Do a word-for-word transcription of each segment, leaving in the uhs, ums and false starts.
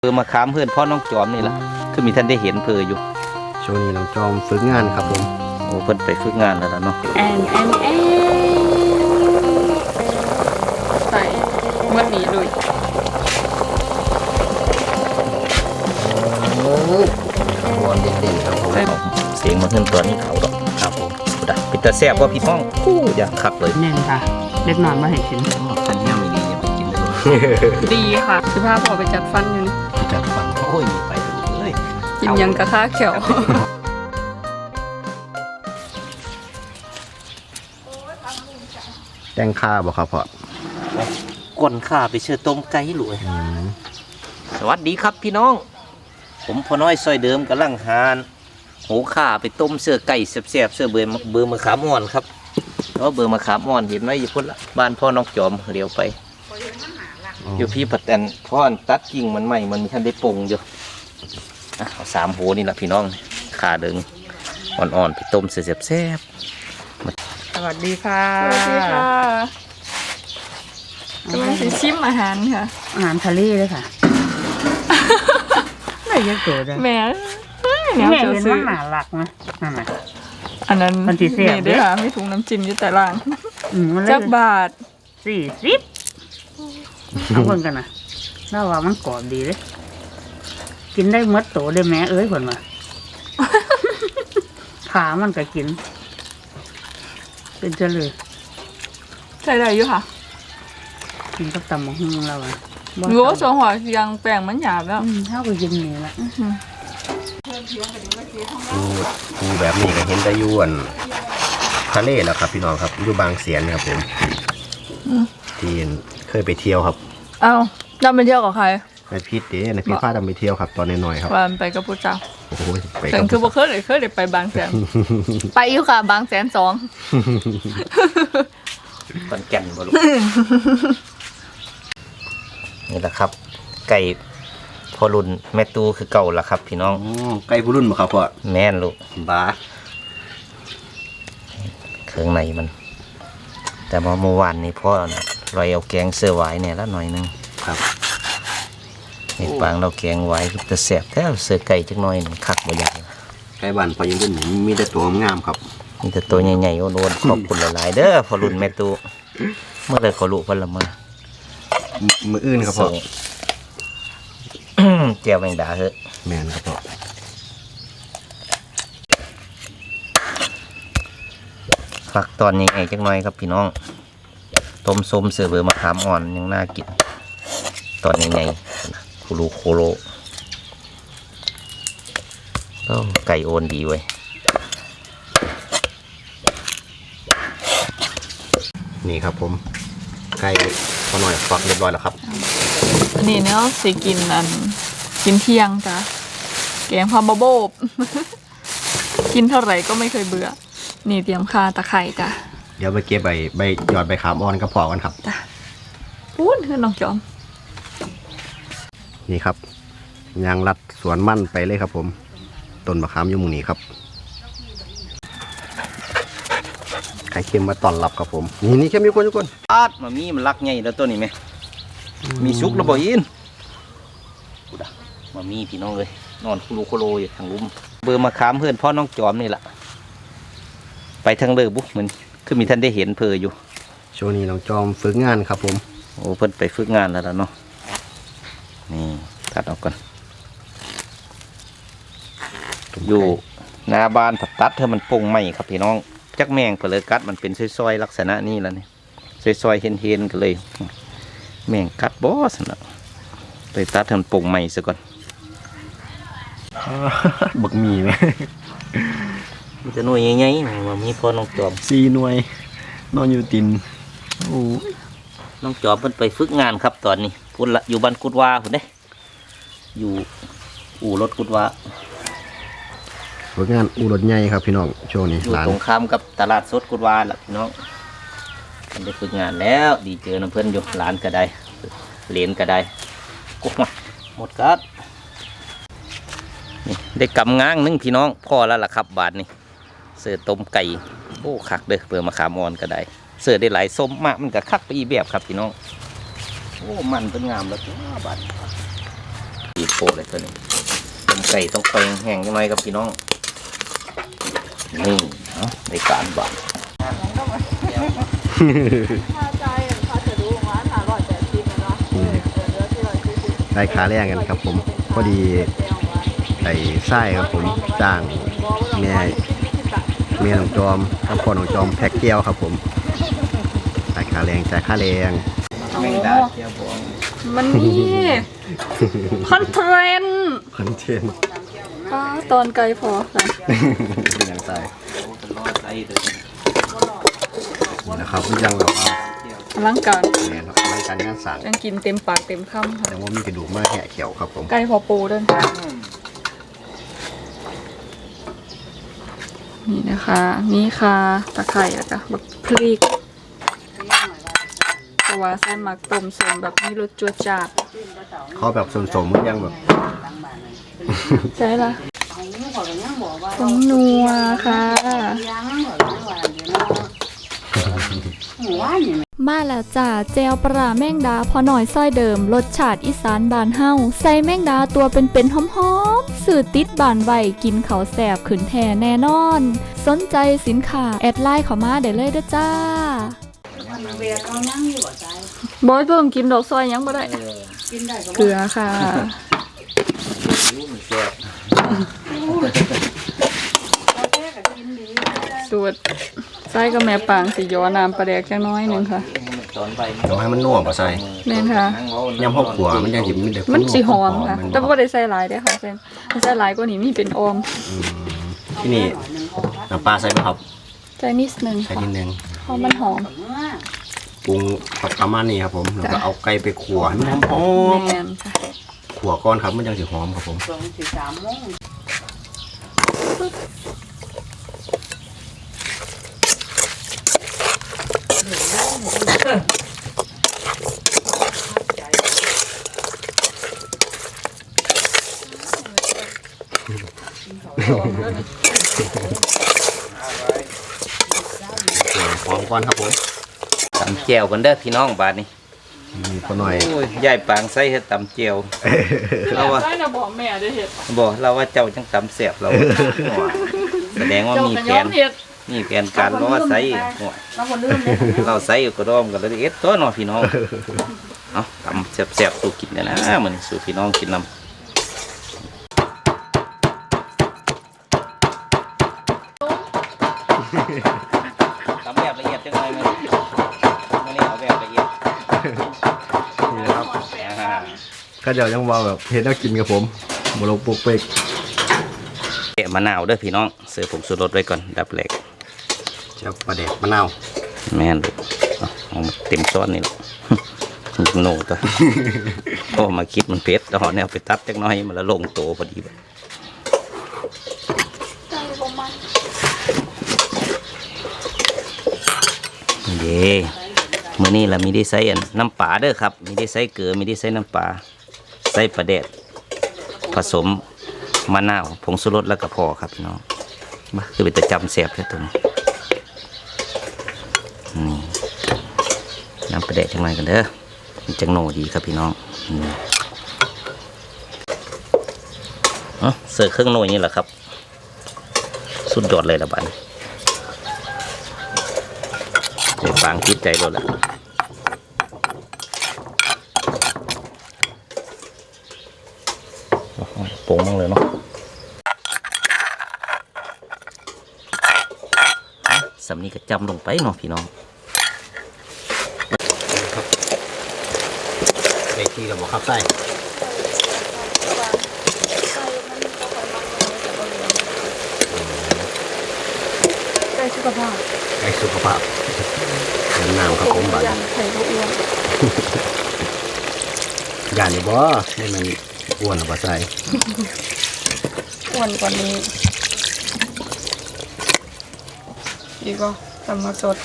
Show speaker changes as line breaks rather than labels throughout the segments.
เพื่อมาค้ามเพื่อนพ่อน้องจอมนี่แหละคือมีท่านได้เห็นเพออยู่
ช่วงนี้น้องจอมฝึกงานครับผม
โอ้เพิ่นไปฝึกงานแล้วเนาะ
แอนแอนแอนใส่เมื่อนี้เลย
บอลเด่นๆครับผม
เสียงมันขึ้นตัวนี้เขาดอกครับผมกูด่าปิดตาแซ่บว่าพี่น้องกู้อยากคักเลย
แน่นค่ะเล็กน้อยมาให้กิน
ฉันยังไม่ดียังไปกินเลย
ดีค่ะคือพาพ่อไปจัดฟันอยู่นี่
จัดฟันโอ้ยไปเลย
กินยังกระค่าเขียว
แตงข้าบ่ครับพ่อ
ก้นข้าไปเชื่อต้มไก่หลวยสวัสดีครับพี่น้องผมพ่อน้อยซอยเดิมกำลังหานหูข้าไปต้มเสื้อไก่แซ่บๆเสื้อเบอร์เบอร์มะขามอ่อนครับแล้วเบอร์มะขามอ่อนเห็นไหมอยู่พุ่นละบ้านพ่อน้องจอมเลี้ยวไปอยู่พี่ปัดแตนพ่อตัดกิ่งมันใหม่มันมีท่านได้ปงอยู่เอาสามโหนี่แหละพี่น้องขาเดิงอ่อนๆไปต้มเสียบแซ่บ
สวัสดีค่ะสวัสดีค่ะกำลังจะชิมอาหารค่ะ
อาหารทะเลเลยค่ะไม่เยอะเกินเลย
แม่
แม่เป็นว่าหนาหลักนะนั่นแหละ
อันนั้น
มันตีเสีย
ด้วยค่ะมีถุงน้ำจิ้มอยู่แต่ล่างจักบาท
สี่สิบเอาเพิ่งกันนะน่าว่ามันกรอบดีเลยกินได้เมื่อโตได้แม่เอ้ยคนมาขามันก็กินเป็นเจริญ
ใช่ได้อยู่ค่ะ
กินกับตำมะฮุ่งเราอะ
โง่สองหัวยังแป้งมันหยาบแล้ว
เท่ากับกินนี่แหละ
ปูแบบนี้ก็เห็นได้ยวนทะเลแล้วครับพี่น้องครับอยู่บางเสียนครับผมที่เคยไปเที่ยวครับ
อ้าวดำไปเที่ยวกับใคร
ในพิษเด้ในพิษพาดำไปเที่ยวครับตอนน้อยๆครับ
วันไปกับผู้เจ้า
โอ้โหไป
แต่คือบ่เคยเลยเคยเลยไปบางแสนไปอยู่ค่ะบางแสนสอง
ปันแก่นบ่ลูกนี่แหละครับไก่พอรุ่นแม่ตูคือเก่าละครับพี่น้อง
ไก่ผู้รุ่นบ่ครับพ่อ
แม่นลูก
บ้า
เครื่องในมันแต่ว่าเมื่อวานนี้พ่อลอยเอาแกงเสื้อไว้เนี่ยละหน่อยนึง
ครับ
เห็ดปางเราแกงไว้จะแสบแท้เสื้อไก่จักหน่อยหนึ่งคักบ่ใหญ่
ไก่บ้านพอยังรุ่นมีแต่ตัวงามครับ
มีแต่ตัวใหญ่ๆโอนๆขอบคุณหลายๆเด้อพอรุ่นแม่ตูเมื่อไรขอลุพันละมา
มืออื่นครับพ่อ
เจียวแมงดาเหอะ
แมนครับพ่อ
ฝักตอนยังไงจักหน่อยครับพี่น้องต้มส้มเสือเบอร์มะขามอ่อนยังน่ากินตอนยังไงโคโลโคโลก็ไก่โอนดีเว้ย
นี่ครับผมไก่พอหน่อยฝักเรียบร้อยแล้วครับ
อันนี้เนาะสิกินอันกินเที่ยงจ้ะแกงพาบะโบบกินเท่าไหร่ก็ไม่เคยเบื่อนี่เตรียมคาตะไคร่จ้ะ
เดี๋ยวไปเก็บใบใบหยอดใบขามอ่อนก็พอกันครับ
จ้ะพูดคือน้องจอม
นี่ครับยางรัดสวนมั่นไปเลยครับผมต้นมะขามอยู่มุมนี้ครับไข่เค็มมาตอนรับครับผมนี่นี่เค็มอยู่คนทุกคน
อาดมามีมันรักไงแล้วตัวนี้ไหมมีซุกระเบิดอินกูด่ามามีพี่น้องเลยนอนคุโรโคโลอยู่ทางลุ่มเบอร์มาค้ามเพื่อนพ่อน้องจอมนี่แหละไปทางเลือบุ๊กมันคือมีท่านได้เห็นเพออยู่
ช่วงนี้น้องจอมฝึกงานครับผม
โอ้เพิ่นไปฝึกงานแล้วเนาะนี่ตัดออกก่อนอยู่หน้าบ้านผัดตัดเธอมันปงใหม่ครับพี่น้องจักแมงเปลือกกัดมันเป็นซอยๆลักษณะนี้แล้วนี่ซอยๆเห็นๆกันเลยแมงกัดบอสนะไปตัดทำปงใหม่ซะก่อน
บักมีไหม
มันจะหน่วยใหญ่ๆมันมีพอน้องจอม
สี่หน่วยนอนอยู่ติน
โอ้น้องจอมเพิ่นไปฝึกงานครับตอนนี้พุ่นละอยู่บ้านกุดวาพุ่นเด้อยู่อู่รถกุดวา
ฝึกงานอู่รถใหญ่ครับพี่น้องช่วงนี้
อยู่ตรงข้ามกับตลาดสดกุดวาล่ะพี่น้องมันได้ฝึกงานแล้วดีเจอน้ำเพื่อนอยู่ร้านก็ได้เหรียญก็ได้กุ๊กมาหมดกัดนี่ได้กำง้างนึงพี่น้องพอแล้วล่ะครับบาทนี่เสือต้มไก่โอ้คักเด้อเปลือกมะขามอ่อนก็ได้เสือได้หลายส้มมากมันก็คักไปอีแบบครับพี่น้องโอ้มันเป็นงามแล้วบาทปเลยตัวนี้ต้มไก่ต้องไฟแห้งยังไงครับพี่น้องนี่เนาะในการบัง
ค่าใจค่าจะดูว่าหาร้อยแปดสิบเนาะเออเดี๋ยวที่ร้อยสี่สิบ
ได้ขาแรงกันครับผมพอดีไอ้ไส้ครับผมจ้างแม่แม่น้องจอมกับพ่อน้องจอมแพ็กเกียวครับผมได้ขาแรงจ่ายค่าแรง
แมงดาเจียวบอง
มันนี่คอนเทนต์
คอนเทนต์
ป้าตอนไกลพอค่ะ
เป็นอย่างไร
เป็นรอดไส้เลย
นี่นะครับมันยังแบบว่า
อลังการ
แมนครับรายการงานสั่ง
ยังกินเต็มปากเต็มคำค่ะ
แต่ว่ามีกระดูกมาแหะเขียวครับผม
ไก่พอปูด้วยนี่นะคะนี่ค่ะตะไคร่อะค่ะบักพริกเพราะว่าไส้หมักต้มสมแบบนี้รสจวดจัด
เขาแบบสมๆมันยังแบบ
ใช่ละ
เอาหมูเขาก็ยังบอกว่า
ผงนัวค่ะ
ยังบอกว่าเดี๋ยวเนาะหมูว่านี่
มาแล้วจ้าเจลปลาแมงดาพอหน่อยซ้อยเดิมรสชาติอีสานบานเฮาใส่แมงดาตัวเป็นๆหอมๆสื่อติดบานไวกินเขาแสบขืนแท่แน่นอน สนใจสินค้าแอดไลน์เข้ามาได้เลยเด้อจ้า
มันเบียร์เขานั่งอยู่บ่ใจ
บอยเพิ่มกินดอกซอยยังบ่ได้
กินได้ก็
เกลือค่ะ
รู้มันแซ่บ
เราแค่ก็กินดี
สูตรไส้กับแม่ปางสิย้อน้ำปลาแดกจังน้อยหนึงค่ะ
ตอนไป
เดี๋ยวให้มันนุ่มป่ะใส่
แม่นค่ะ
ยำหกขัวมันยังหิมมีแต่
มันสิหอมค่ะ
มัน
แต่บ่ได้ใส่หลายเด้อค่ะเส้นถ้าใส่หลายกว่านี้มีเป็นออม
อืมที่นี่น้ำปลาใส่ไหมครับ
ใส่นิดนึง
ใส่
ค่ะ
นิดนึง
เพราะมันหอม
เมื่อ
ปรุงประมาณนี้ครับผมแล้วก็เอาไก่ไปขัวให้มันหอม
แม่นค่ะ
ๆขัวก้อนครับมันยังสิหอมครับผม
สองสี่สามโมง
หอมก้อนครับผม
ตำเจียวกันเด้อพี่น้องบาดนี้
มีพอหน่อย
โอ้ยยายปางใส่เฮ็ดตำเจียวเราว่า
ใส่น่ะบอกแม่ได้เฮ็ด
บอกเราว่าเจ้าจังตำแซ่บเราแสดงว่า
เจ้า
มี
ก็
แผ
ยอม
น
เฮ็ด
มีแผนการเพราะว่าใส่หัว
เราคนลืมเลย
เราใส่อยู่กระดอมกันเลยเอ็ดตัวเน้องพี่น้องเอาตำแซ่บๆสู่กินเนี่ยนะเหมือนสู่พี่น้องกินนำตำแบบละเอียดจังเลยมั้ยไม่ได้เอาแบบละเอียด
นี่นะครับ
อ่า
ก็เดี๋ยวยังว่าแบบเฮ็ดแล้วกินกับผมบลงปุกเปก
แกะมะนาวเด้อพี่น้องเสิร์ฟผงชูรสไว้ก่อนดับแรก
จะปลาแดกมะนาว
แม่นลูกเอาเอามาเต็มซ้อนนี่ลูก โน่ตัว โอ้มาคิดมันเผ็ดแล้วหอเนี่ยเอาไปตัดจักหน้อยมันละลงโตพอดีแบบเย่มื้อนี้เรามีได้ใส่อันน้ำปลาเด้อครับมีได้ใส่เกลือมีได้ใส่น้ำปลาใส่ปลาแดดผสมมะนาวผงชูรสแล้วก็พอครับพี่น้องมาคือเป็นตะจำแซ่บแค่ตัวนี้นี่น้ำปลาแดดจังไรกันเด้อมันจังโหนดีครับพี่น้องนี่เอ้าเสิร์ฟเครื่องโหนนี่แหละครับสุดยอดเลยละบัดเดี๋ยวฟางคิดใจรถละโป่งมั่งเลยเนาะสำนีก็จำลงไปเนาะพี่น้อง
ไก่ที่เราบอกครับไส้
ไก่สุขภาพ
ไก่สุขภาพเดินน้ำครับผมบัด
ยันไข่ก็อ้วน
ย่านนี่บ่ให้มันอ้วนหรือบ่ใส่
อ้วนกว่านี้อีกก็ทำมาสด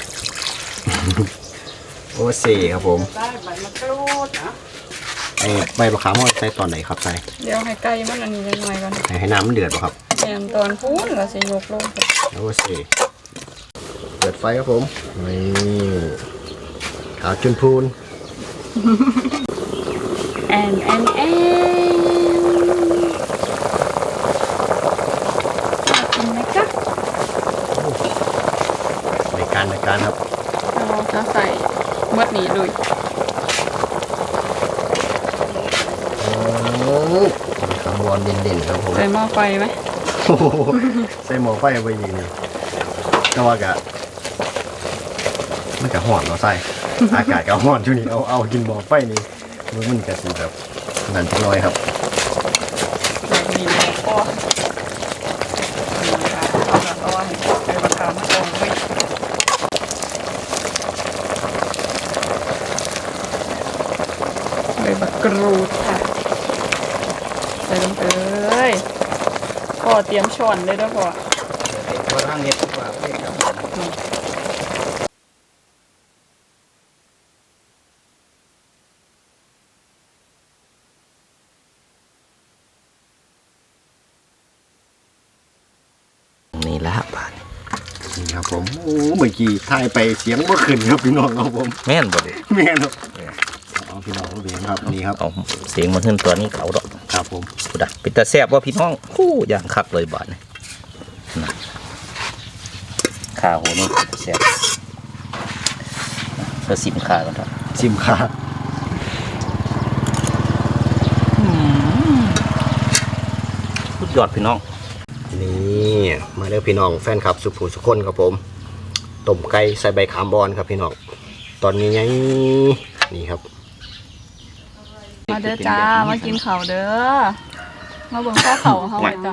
โอ้เซ่ครับผม
ได้ใบมะกรูดนะ
ไอ้ใบมะขามว่าใส่ตอนไหนครับใส่
เดี๋ยวให้ไก่มันอันนี้ยังไงกัน
ให้ให้น้ำมันเดือดป่ะครับ
แหมตอนพูนเราจะยกลง
โอ้เซ่เปิดไฟครับผมนี่ขาวจุนพูน
แอนแอนแอนมดนี้เลย
ขบวนเด่นๆครับผม
ใส่หม้อไฟไหม
โอ้โหใส่หม้อไฟไปอีกนี่แต่ว่ากะมันกะห่อนเนาะใส่อากาศกะห่อนช่วงนี้เอาเอากินหม้อไฟนี่มันมันกะสิแบบนั่นจังน้อยครับ
แบบนี้แล้วก็นี่ค่ะเอาแบบเอาให้ใส่ราคามาตรงไว้ใบบักกรูดค่ะใส่ลงไปเลยพอเตรียมช้อนเลยด้วยพอ
ว่าร่างเน็ตว่าเรียกครับนี่แหละครับ
นี่ครับผมโอ้เมื่อกี้ถ่ายไปเสียงบ่ขึ้นครับพี่น้องครับผม
แม่นบ่เด้
แม่นครับเอาพี่น้องเบียงครับนี่ครับ
เอาเสียงมาขึ้นตัวนี้เขาดอก
ครับผม
พูดอ่ะเป็นตาแซ่บว่าพี่น้องคู่อย่างคักเลยบาดนี่นะข้าวโหนี่แซ่บเพื่อสิมข้าวกันครับ
ชิมค่ะ
สุดยอดพี่น้อง
นี่มาเด้อพี่น้องแฟนคลับสุภูสุคนครับผมต้มไก่ใส่ใบขามบอนครับพี่น้องตอนนี้ไงนี่ครับ
มาเด้อจ้า มากินข้าวเด้อ มาเบิ่งข้าวเขาเฮาไว้จ้ะ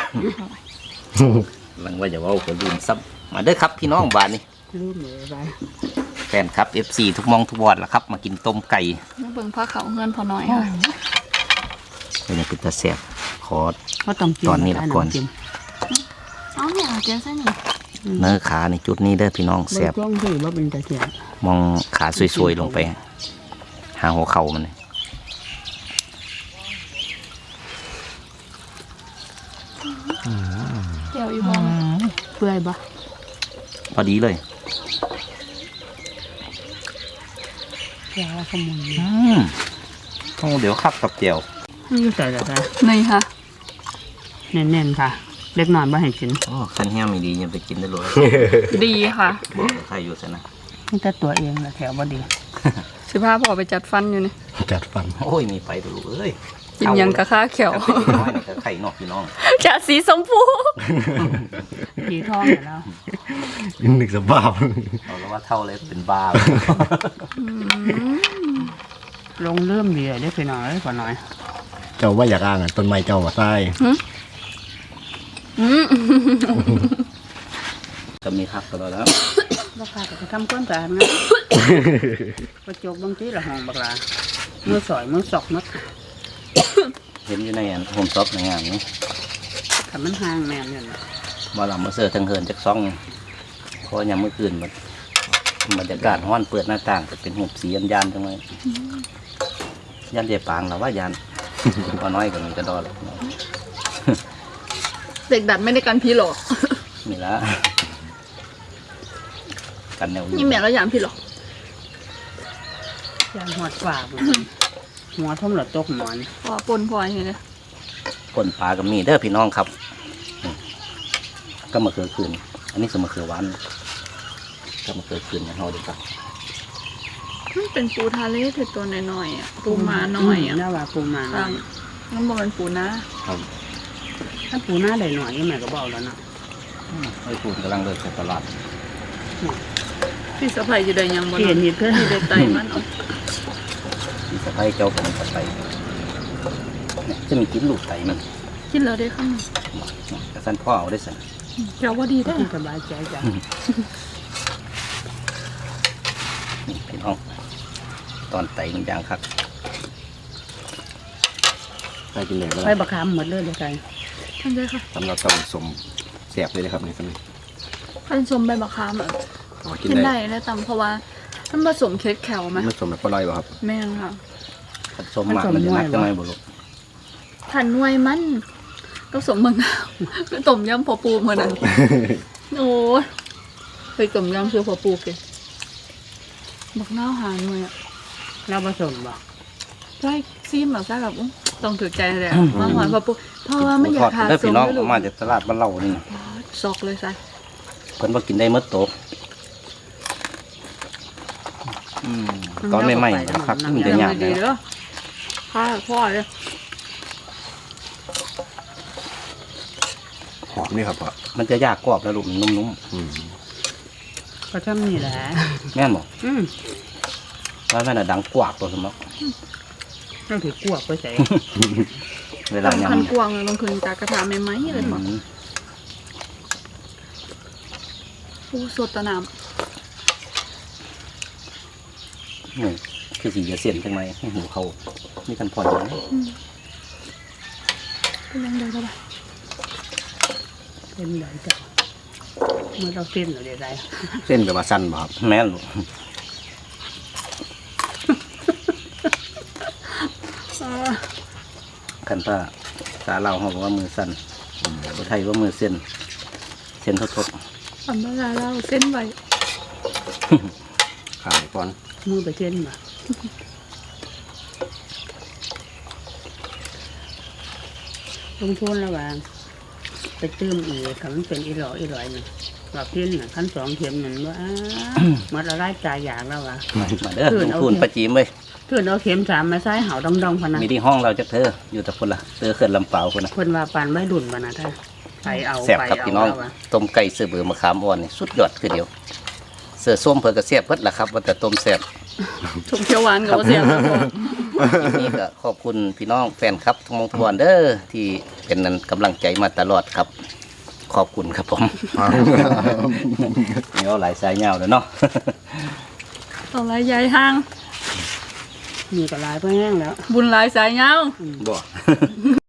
หลังว่าจะว่าคนลืมซับมาเด้อครับพี่น้องบาดนี่
ลืมเลยไป
แฟนครับ เอฟ ซี ทุกมองทุกวอดล่ะครับ มากินต้มไก่
มาเบิ่งผ้าเขาเฮือนพอหน่อยค่ะ
เป็นเป็นตาแซ่บขอ
ก็ต้องกิน
ตอนนี้ละก่อน
เอาเนี่ยเจ๊เส้นนี่
เนื้อขาในจุดนี้เด้อพี่น้อง
แซ่
แซ่
บบ ช่วงที่ว่าเป็นตะเกียบ
มองขาสวยๆลงไป หาหัวเข่ามันเลย
เดี๋ยวอีพอ
เปื่อยบ่
พอดีเลย
แซ่บขมุน
อืมโอ้เดี๋ยวคักกับเจียว
นี่ใส่อะไร
นี่ค่ะ
แน่นๆค่ะ เล็กน้อยบ่ให้กิน
โอ้ขันแห้งไม่ดียังไปกินได้เลย
ดีค่ะ
บอกใครอยู่ซะนะ
นี่แต่ตัวเองแหละแถวบ่ดี
สิพาพ่อไปจัดฟันอยู่นี่
จัดฟัน
โอ้ยมีไปดูเอ้ย
กินหยังกะข้าเขียว
เอาไปน้อยหน่อยกับไข่นอกพี่น้อง
จะสีชมพู
ผีทองอยู่แล้ว
นึกสภาพ
เอาแล้วว่าเท่าเลยเป็นบ้า
ลงเริ่มดีเลยได้ไปหน่อยได้กว่าน้อย
เจ้าว่าอยากอ้างอ่ะต้นไม้เจ้าว่าใต้
อืม
ก็มีคักตลอดแล้ว
ราคาก็ทำก้อนสะอาดนะกระจกบางทีละห้องบักลามือสอยมือสอกมัด
เห็นอยู่ในอันโฮมซ็อปในงานนี้
ถ้ามันห่างแม่นเนี่ยนะ
ว่าเรามาเสิร์ฟทั้งเฮินจากซ่องเพราะยามมื้อคืนมันบรรยากาศห้อนเปิดหน้าต่างจะเป็นหุบสียันยันๆจังเลยยันเดียปางหรือว่ายัน พอน้อยก็มีกระดอเลย
เด็กดัดไม่ได้กันพี่หรอก
นี่ละกันแนว
นี่แม่แล้วอย่างพี่หรอก
ยางหัวฝาบหัวท่มหลอดตกหมอน
พอปนพออย่างนี้
คนปลากับมีเด้อพี่น้องครับนี่ก็มาเคือคืน อันนี้สมะเขือหวานก็มาเคือคืนนะเราดีครับ
มันเป็นปูทะเลเถิดตัวน้อยๆอ่ะ ปูมาน้อยอ่ะ
น่าว่าปูมา
ครับน้ำบอกเป็นปูนะ
ถ้าปูหน้าได้หน่อยก็แม่ก็เบาแล้วนะ
ไอ้ปูนกำลังเดินไปตลาด
พี่สะพายจะได้ยังบ่
เปลี่ยน
เนาะ
นิดเพื่อ
พี่ได้ไตมันเอา
ที่สะพ้ายเจ้าของสะพ้ายเนี่ยจะมีกินลูกไตมัน
กินแล้วได้ข้าง
กระสันพ่อเอาได้สัน
เจ้าว่าดีได้
ที่สบายใจจ้ะ
นี่พี่น้องตอนไตมันยางคัก
ใต้กินเลยก็
ไป
ได้
บักคำหมดเลยเลยไง
ท่านได้ค่ะ
สำหรับเจ้าสมแสบเลยนะครับในสมัย
ท่านชมใบมะขามอ่ะ
อ๋อกิน
กิน
ได้
ได้แล้วตำเพราะว่ามันผสมเค้กแขวไหม
ไม่สมแบบปลอยป่ะครับ
แม่นค่ะ
ผสมหมักมันจะนักจังไงบุรุษ
ผันนวยมันก็สมมะนาวก็ต้มยำพอปูเหมือนนั้นโอ้ยเคยต้มยำเชื่อพอปูเกบักนาวหาหน่วยอ่ะ
เราผสมบ่
ใช่ซีมแบบใช่แบบอุ๊ยต้องถือใจเลยอะมาหอยพอปูเพราะว่ามันอยากหา
เด้อ
ส
พี่
ม
น้อง
ไม่รู้
มาจากตลาดบ้านเรานี่
ซอกเลยใช่
เพิ่นว่ากินได้เมื่อโตอืมตอนใหม่ๆนะครับมันจะยาก
ดี
นะ
เด้อข้าพ่อเลย
หอมนี่ครับพ่อ
มันจะยากกรอบแล้วลูกมันนุ่ม
อืม
ก็ทำนี่แหละ
ๆแม่นบอก
อืม
ว่าแม่น่ะดังกวากตัวสมอง
ต้องถือกวกไปใส่
เวลา
คัน
ยำ
กวางเลยลงคืนจากกระทะใหม่ๆเลยบอก
อืม
อู้สดตะน้
นี่คือสีจะเสียนจังไหมให้หูเขามีกันผ่อนไหม
ำเป็นยังไงก็ได้
เป็นไหลจ้ะเมื่อเราเส้นเราได้ไร
เส้นกับว่าสั้นบ่ครับ
แม่นลูก คันป้าสาเราเขาบอกว่ามือสั่นคนไทยว่ามือเส้นเส้นทด
ทำเวลาเราเส้นไว้
ขายก่อน
มือไปเส้นมาลงทุนระหว่างไปเติมอีกคำมันเป็นอีหลออีหลอยน่ะหลอดเพี้ยนน่ะขั้นสองเข็มนั่นว่าอ้ามันละลายใจอย่างแล้ววะ
ๆมาเด้อลงทุนประจีมเลย
เพื่อนเอาเข็มสามมาใส่เห่าดองดองพะนะ
มีที่ห้องเราจะเธออยู่แต่คนละเธอเขื่อนลำเปล่าคนนะ
เพิ่นว่าปานไว้ดุนพะนะท่านไปเอา
แซ่บ
ไป
ครับ
เอา
พี่น้อง
แล้ววะ
ต้มไก่เสือเบือมะขามอ่อนนี่สุดยอดคือเดียว เสือส้มเพิ่นก็แซ่บเพิ่นล่ะครับว่าแต่ต้มแซ่บ
ชมเขียวหวานกับเสียงครับผม
คลิปนี้ก็ขอบคุณพี่น้องแฟนครับทุกมงทุกวันเด้อที่เป็นนั้นกำลังใจมาตลอดครับ ขอบคุณครับผมนี่เอาหลายสายยาวแล้วเนาะ
ต่อไรยายห้าง
มีก็หลายไปแห้งแล้ว
บุญหลายสายยาว
บ่